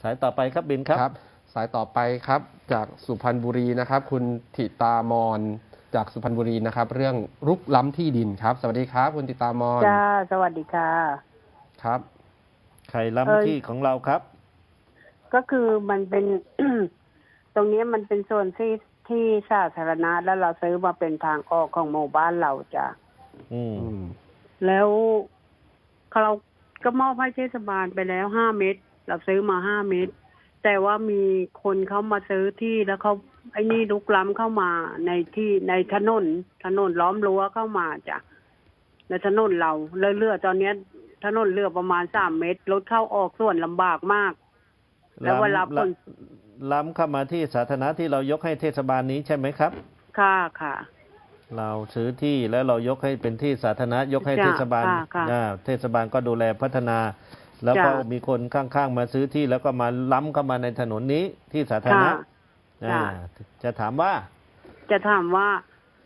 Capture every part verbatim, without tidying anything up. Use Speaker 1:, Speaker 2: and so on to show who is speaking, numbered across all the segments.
Speaker 1: สายต่อไปครับบินครับ
Speaker 2: ครับสายต่อไปครับจากสุพรรณบุรีนะครับคุณถิตามอนจากสุพรรณบุรีนะครับเรื่องรุกล้ำที่ดินครับสวัสดีครับคุณถิตามอน
Speaker 3: จ้าสวัสดีค่ะ
Speaker 2: ครับ
Speaker 1: ใครล้ำที่ของเราครับ
Speaker 3: ก็คือมันเป็น ตรงนี้มันเป็นส่วนที่ที่สาธารณะแล้วเราซื้อมาเป็นทางออกของหมู่บ้านเราจ้ะ
Speaker 1: อืม
Speaker 3: แล้วเราก็มอบให้เทศบาลไปแล้วห้าเมตรเราซื้อมาห้าเมตรแต่ว่ามีคนเขามาซื้อที่แล้วเขาไอ้นี่ลุกล้ำเข้ามาในที่ในถนนถนนล้อมรั้วเข้ามาจ้ะในถนนเราเรื่อยๆตอนนี้ถนนเลือประมาณสามเมตรรถเข้าออกส่วนลำบากมากแล้วเวลาคน
Speaker 1: ล้ำเข้ามาที่สาธารณะที่เรายกให้เทศบาลนี้ใช่ไหมครับ
Speaker 3: ค่ะค่ะ
Speaker 1: เราซื้อที่แล้วเรายกให้เป็นที่สาธารณะยกให้เทศบาลเทศบาลก็ดูแลพัฒนาแล้วก็มีคนข้างๆมาซื้อที่แล้วก็มาล้ำเข้ามาในถนนนี้ที่สาธารณะจะถามว่า
Speaker 3: จะถามว่า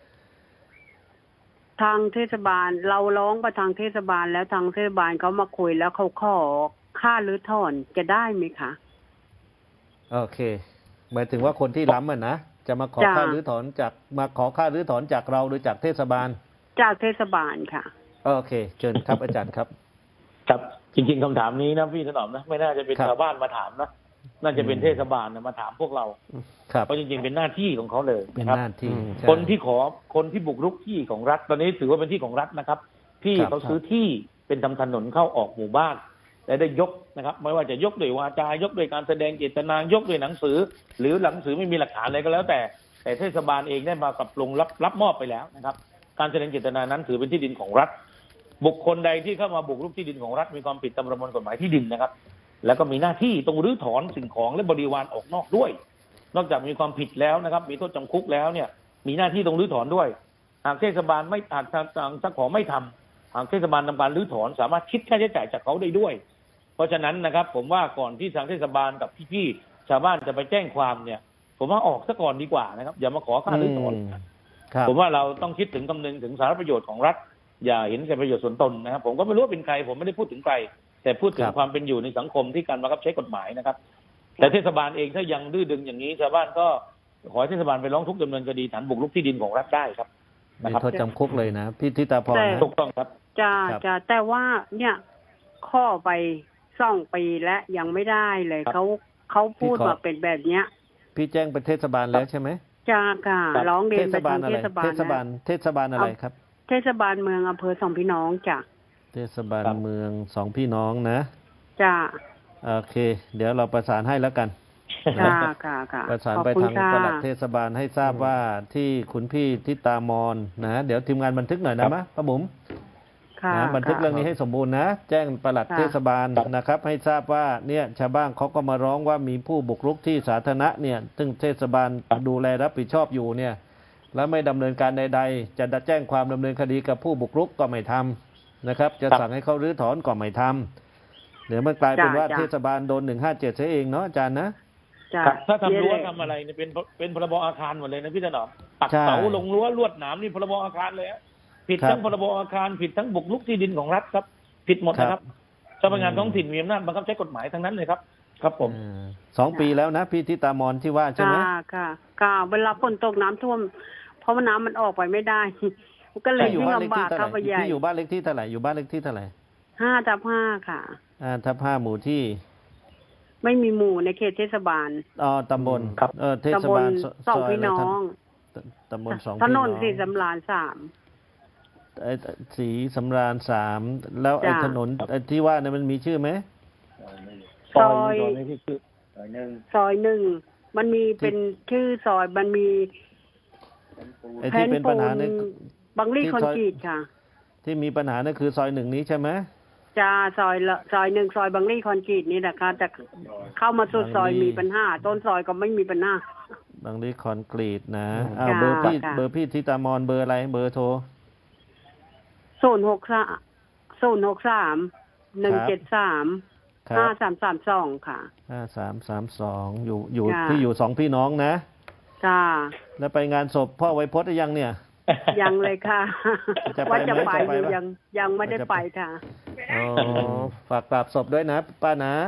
Speaker 3: ทางเทศบาลเราร้องไปทางเทศบาลแล้วทางเทศบาลเขามาคุยแล้วเขาขอค่ารื้อถอนจะได้ไหมคะ
Speaker 1: โอเคหมายถึงว่าคนที่ล้ำอ่ะนะจะมาขอค่ารื้อถอนจากมาขอค่ารื้อถอนจากเราหรือจากเทศบาล
Speaker 3: จากเทศบาลค่ะ
Speaker 1: โอเคเชิญครับอาจารย์ครับ
Speaker 4: ครับจริงๆคำถามนี้นะพี่ถนอมนะไม่น่าจะเป็นชาวบ้านมาถามนะน่าจะเป็นเทศบาลมาถามพวกเราเพราะจริงๆเป็นหน้าที่ของเขาเลย
Speaker 1: เป็นหน้าที่
Speaker 4: คนที่ขอคนที่บุกรุกที่ของรัฐตอนนี้ถือว่าเป็นที่ของรัฐนะครับที่เขาซื้อที่เป็นทำถนนเข้าออกหมู่บ้านและได้ยกนะครับไม่ว่าจะยกด้วยวาจายกด้วยการแสดงเจตนายกด้วยหนังสือหรือหนังสือไม่มีหลักฐานอะไรก็แล้วแต่แต่เทศบาลเองได้มาปรับปรุงรับรับมอบไปแล้วนะครับการแสดงเจตนานั้นถือเป็นที่ดินของรัฐบุคคลใดที่เข้ามาบุกรุกที่ดินของรัฐมีความผิดตามประมวลกฎหมายที่ดินนะครับแล้วก็มีหน้าที่ต้องรื้อถอนสิ่งของและบริวารออกนอกด้วยนอกจากมีความผิดแล้วนะครับมีโทษจำคุกแล้วเนี่ยมีหน้าที่ต้องรื้อถอนด้วยหากเทศบาลไม่อาจทางเจ้าของไม่ทำหากเทศบาลทำการรื้อถอนสามารถคิดค่าใช้จ่ายจากเขาได้ด้วยเพราะฉะนั้นนะครับผมว่าก่อนที่ทางเทศบาลกับพี่ๆชาวบ้านจะไปแจ้งความเนี่ยผมว่าออกซะก่อนดีกว่านะครับอย่ามาขอค่ารื้อถอนผมว่าเราต้องคิดถึงคำนึงถึงสาธารณประโยชน์ของรัฐอย่าเห็นแก่ประโยชน์ส่วนตนนะครับผมก็ไม่รู้ว่าเป็นใครผมไม่ได้พูดถึงใครแต่พูดถึงความเป็นอยู่ในสังคมที่การบังคับใช้กฎหมายนะครับแต่เทศบาลเองถ้ายังดื้อดึงอย่างนี้ชาวบ้านก็ขอให้เทศบาลไปร้องทุกข์ดำเนินคดีฐานบุกรุกที่ดินของรัฐได้ครับ
Speaker 1: มีโทษจำคุกเลยนะพี่ทิตาพร
Speaker 4: ถูกต้องครับ
Speaker 3: จะจะแต่ว่าเนี่ยข้อไปสองปีและยังไม่ได้เลยเขาเขาพูดมาเป็นแบบเนี้ย
Speaker 1: พี่แจ้งไปเทศบาลแล้วใช่ไหม
Speaker 3: จ้าค่ะร้องเรียนไปทางเทศบาล
Speaker 1: เทศบาลเทศบาลอะไรครับ
Speaker 3: เทศบาลเมืองอำเภอสองพี่น้องจ้ะ
Speaker 1: เทศบาลเมืองสองพี่น้องนะ
Speaker 3: จ้า
Speaker 1: โอเคเดี๋ยวเราประสานให้แล้วกัน
Speaker 3: ค่ะค่ะค่ะ
Speaker 1: ประสานไปทางปลัดเทศบาลให้ทราบว่าที่คุณพี่ทิตามอนนะเดี๋ยวทีมงานบันทึกหน่อยนะมะป้าบุ๋มนะบันทึกเรื่องนี้ให้สมบูรณ์นะแจ้งปลัดเทศบาลนะครับให้ทราบว่าเนี่ยชาวบ้านเขาก็มาร้องว่ามีผู้บุกรุกที่สาธารณะเนี่ยซึ่งเทศบาลดูแลรับผิดชอบอยู่เนี่ยแล้วไม่ดำเนินการใดๆจะแจ้งความดำเนินคดีกับผู้บุกรุกก็ไม่ทำนะครับจะสั่งให้เขารื้อถอนก็ไม่ทำเดี๋ยวมันกลายเป็นว่าเทศบาลโดนหนึ่งห้าเจ็ดเสียเองเนาะอาจารย์นะ
Speaker 4: ถ้าทำรั้วทำอะไรเนี่ยเป็นเป็นพรบอาคารหมดเลยนะพี่ถนอมปักเสาลงรั้วลวดหนามนี่พรบอาคารเลยผิดทั้งพรบอาคารผิดทั้งบุกรุกที่ดินของรัฐครับผิดหมดนะครับเจ้าพนักงานท้องถิ่นมีอำนาจบังคับใช้กฎหมายทั้งนั้นเลยครับครับผม
Speaker 1: สองปีแล้วนะพี่ทิตามอนที่ว่าใช่ไหม
Speaker 3: ค่ะค่ะเวลาฝนตกน้ำท่วมเพราะว่าน้ำมันออกไปไม่ได้ก็เลยยิ่งลำบากเข้าไปใหญ่
Speaker 1: พี่อยู่บ้านเล็กที่เท่าไหร่อยู่บ้านเล็กที่เท่าไหร่
Speaker 3: ห้าทับห้าค่ะ
Speaker 1: ห้าทับห้าหมู่ที่
Speaker 3: ไม่มีหมู่ในเขตเทศบาล
Speaker 1: อ๋อตำบล
Speaker 4: ครับ
Speaker 1: เออเทศบาล
Speaker 3: สองพี่น้อง
Speaker 1: ตำบลสองพี่น้องถ
Speaker 3: นนสีสำราญสาม
Speaker 1: ไอ้สีสำราญสามแล้วไอ้ถนนที่ว่าเนี่ยมันมีชื่อไหม
Speaker 3: ซอยซอยหนึ่งซอยหนึ่งมันมีเป็นชื่อซอยมันมี
Speaker 1: ไอ้ที่เป็นปัญหาใน
Speaker 3: บางลี่คอนกรีตค่ะ
Speaker 1: ที่มีปัญหานั่นคือซอยหนึ่งนี้ใช่ไหม
Speaker 3: จ้าซอยละซอยหนึ่งซอยบางลี่คอนกรีตนี่แหละค่ะแต่เข้ามาสุดซอยมีปัญหาต้นซอยก็ไม่มีปัญหา
Speaker 1: บางลี่คอนกรีตนะอ้าวเบอร์พี่เบอร์พี่ทิตามอนเบอร์อะไรเบอร์โทร
Speaker 3: ศูนย์หกสามศูนย์หกสามหนึ่งเจ็ดสามห้าสามสามสองค่ะ
Speaker 1: ห้าสามสามสองอยู่อยู่ที่อยู่สองพี่น้องนะ
Speaker 3: จ้า
Speaker 1: แล้วไปงานศพพ่อไวพจน์หรือยังเนี่ย
Speaker 3: ยังเลยค่ะว่าจะไปอยู่ยังยังไม่ได้ไปค่ะ
Speaker 1: อ๋อฝากกราบศพด้วยนะป้านะ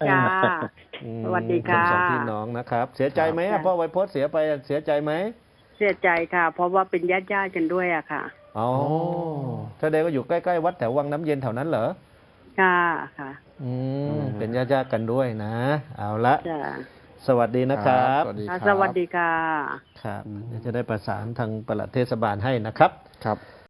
Speaker 3: จ้า
Speaker 1: อืม
Speaker 3: สวัสดีค่ะ
Speaker 1: ณสองพี่น้องนะครับ เสียใจไหม
Speaker 3: ครั
Speaker 1: อะ
Speaker 3: บ
Speaker 1: พ่อไวโพสเสียไปเสียใจไหม
Speaker 3: เสียใจค่ะ เพราะว่าเป็นญาติญาติๆกันด้วยอะค่ะ
Speaker 1: อ๋อแสดงว่าอยู่ใกล้ๆวัดแถววังน้ำเย็นแถวนั้นเหรอ
Speaker 3: ค่ะค่ะ
Speaker 1: อืมเป็นญาติๆกันด้วยนะ เอาละ
Speaker 3: จ้า
Speaker 1: สวัสดีนะครับ
Speaker 2: สวัสดีค
Speaker 3: ค่ะ
Speaker 2: รับ
Speaker 3: สวัสดีค่ะ
Speaker 1: ครับเดี๋ยวจะได้ประสานทางปลัดเทศบาลให้นะครับ
Speaker 2: ครับ